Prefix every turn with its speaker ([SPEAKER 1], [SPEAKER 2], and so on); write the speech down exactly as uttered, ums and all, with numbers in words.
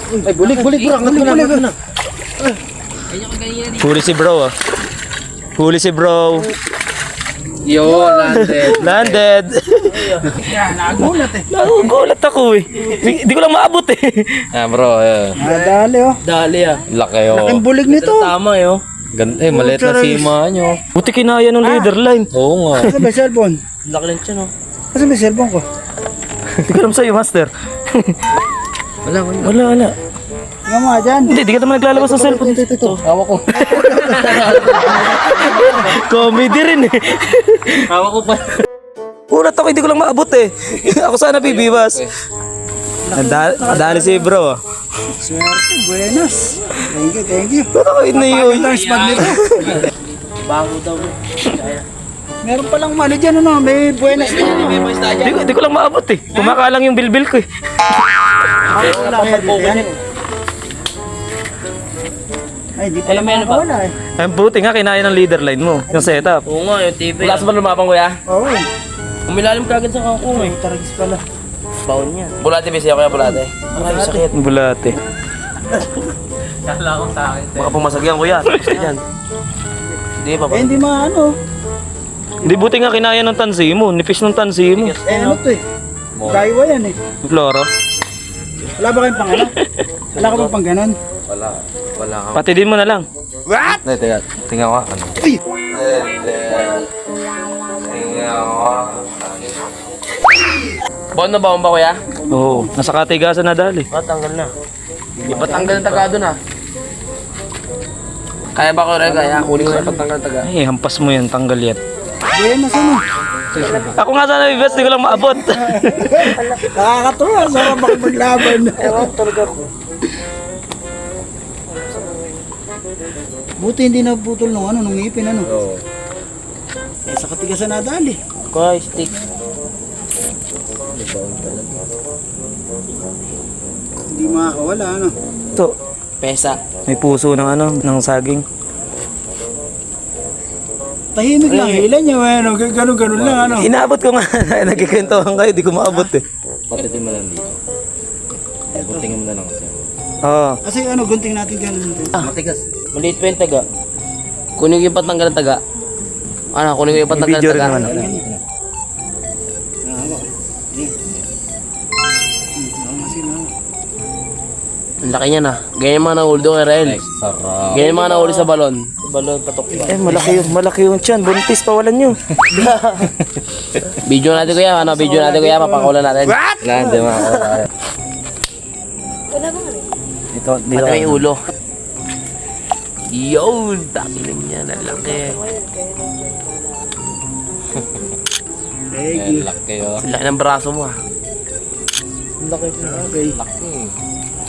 [SPEAKER 1] Ay, bulig, bulig bro. Bulig, bulig, bulig.
[SPEAKER 2] Huli si bro ah. Huli si bro.
[SPEAKER 1] Yo, landed.
[SPEAKER 2] Landed.
[SPEAKER 1] Nagulat eh.
[SPEAKER 2] Nagugulat ako eh. Di, di ko lang maabot eh. Ah bro, eh.
[SPEAKER 1] Ah, dali oh.
[SPEAKER 2] Dali ah. Laki oh.
[SPEAKER 1] Laking bulig nito.
[SPEAKER 2] Tama eh oh. Ganda eh, maliit na sima nyo. Buti kinaya ng leader line. Oo nga.
[SPEAKER 1] Kasi may cellphone.
[SPEAKER 2] Laki lang siya no.
[SPEAKER 1] Kasi may cellphone ko.
[SPEAKER 2] Di ko alam sa'yo, master.
[SPEAKER 1] Wala, wala.
[SPEAKER 2] Wala, wala.
[SPEAKER 1] Tingnan mo nga dyan.
[SPEAKER 2] Hindi, di ka naman naglalabas ng cellphone.
[SPEAKER 1] Ito, ito, ito.
[SPEAKER 2] Hawa ko. Comedy rin eh. Hawa ko pa. Ulat ako, hindi ko lang maabot eh. Ako sana bibiwas. Nadali, nadali si bro.
[SPEAKER 1] Swerte, buenas. Thank you, thank you.
[SPEAKER 2] Ba't ako yun na yun?
[SPEAKER 1] Ito ang spot nito.
[SPEAKER 2] Bago daw.
[SPEAKER 1] Meron palang ano dyan, ano, may buenas na.
[SPEAKER 2] Di ko, di ko lang maabot eh. Kumakalang yung bilbil ko eh.
[SPEAKER 1] Wala kaya dito yan. Ay, di pala makakawala eh.
[SPEAKER 2] Ay, buti nga kinaya ng leader line mo. Yung setup.
[SPEAKER 3] Oo nga, yung T V.
[SPEAKER 2] Wala sa ba lumapang kuya?
[SPEAKER 1] Oo.
[SPEAKER 3] Umilalim ka agad sa kangkong eh.
[SPEAKER 1] Taragis pala.
[SPEAKER 3] Baon niya. Bulate, busy ako kaya bulate. Maraming sakit.
[SPEAKER 2] Bulate.
[SPEAKER 3] Kala ko sa akin.
[SPEAKER 2] Baka pumasagyan kuya.
[SPEAKER 3] Yan. Hindi pa
[SPEAKER 1] Eh,
[SPEAKER 3] ba?
[SPEAKER 1] hindi maano.
[SPEAKER 2] Hindi, buti nga kinaya ng tansi mo. Nipis ng tansi mo.
[SPEAKER 1] Eh, ano to eh. Daiwa yan eh.
[SPEAKER 2] Floro.
[SPEAKER 1] Wala ba kayong pang ano? Wala ka bang pang ganon?
[SPEAKER 3] Wala. Wala ka.
[SPEAKER 2] Pati din mo na lang.
[SPEAKER 1] What?
[SPEAKER 2] Hindi, teka. Tingnan ko. Ano?
[SPEAKER 1] Uy!
[SPEAKER 3] Tingnan ko. Baon na baon ba kuya?
[SPEAKER 2] Oo. Nasa katigasan na dali.
[SPEAKER 3] Oh, tanggal na. Ipatanggal ng taga doon ah. Kaya ba ko rin kaya? Kunin ko na ipatanggal ng taga.
[SPEAKER 2] Ay, hampas mo yan. Tanggal yan.
[SPEAKER 1] Buenas ano?
[SPEAKER 2] Ako nga sana bibes. Di ko lang maabot.
[SPEAKER 1] Nakakatuwa. Sarap ako maglaban.
[SPEAKER 3] Ewan talaga ko.
[SPEAKER 1] Buti hindi naputol nung ano, nung ngipin ano.
[SPEAKER 3] Oo.
[SPEAKER 1] Eh, sa katigasan na dali.
[SPEAKER 3] Kuya, stick.
[SPEAKER 1] Hindi makakawala ano.
[SPEAKER 2] Ito.
[SPEAKER 3] Pesa.
[SPEAKER 2] May puso ng ano, ng saging.
[SPEAKER 1] Tahimik lang. Hilan niya, ano, ganun-ganun lang ano.
[SPEAKER 2] Inaabot ko nga. Nagkikwentuhan kayo. Di ko maabot eh.
[SPEAKER 3] Patitin mo lang dito. Butingin mo na lang kasi.
[SPEAKER 2] Oo.
[SPEAKER 1] Kasi ano, gunting natin ganun.
[SPEAKER 3] Ah, matigas. Maliit pa yung taga. Kunin ko yung patanggal ng taga. Ano, kunin ko yung patanggal
[SPEAKER 2] video
[SPEAKER 3] ng
[SPEAKER 2] rin
[SPEAKER 3] taga.
[SPEAKER 2] naman.
[SPEAKER 1] Ah, hawak. Ayan. Hmm, nakamasing na.
[SPEAKER 3] Ang laki niya na. Ganyan mga nahuli doon kay Rael.
[SPEAKER 2] Sarap.
[SPEAKER 3] Ganyan mga nahuli sa balon. Sa balon, patok ba?
[SPEAKER 2] Eh, malaki yung, malaki yung tiyan. Buntis pa walan nyo.
[SPEAKER 3] Video natin kuya, ano, video natin kuya, papakulan natin.
[SPEAKER 1] What?
[SPEAKER 2] Wala, hindi mga Dito, dito.
[SPEAKER 3] Pati may ulo. Yun, dami lang niya, nalaki.
[SPEAKER 1] Thank you.
[SPEAKER 2] Laki oh.
[SPEAKER 3] Ang laki ng braso mo ah.
[SPEAKER 1] Ang laki po. Okay.
[SPEAKER 3] Laki.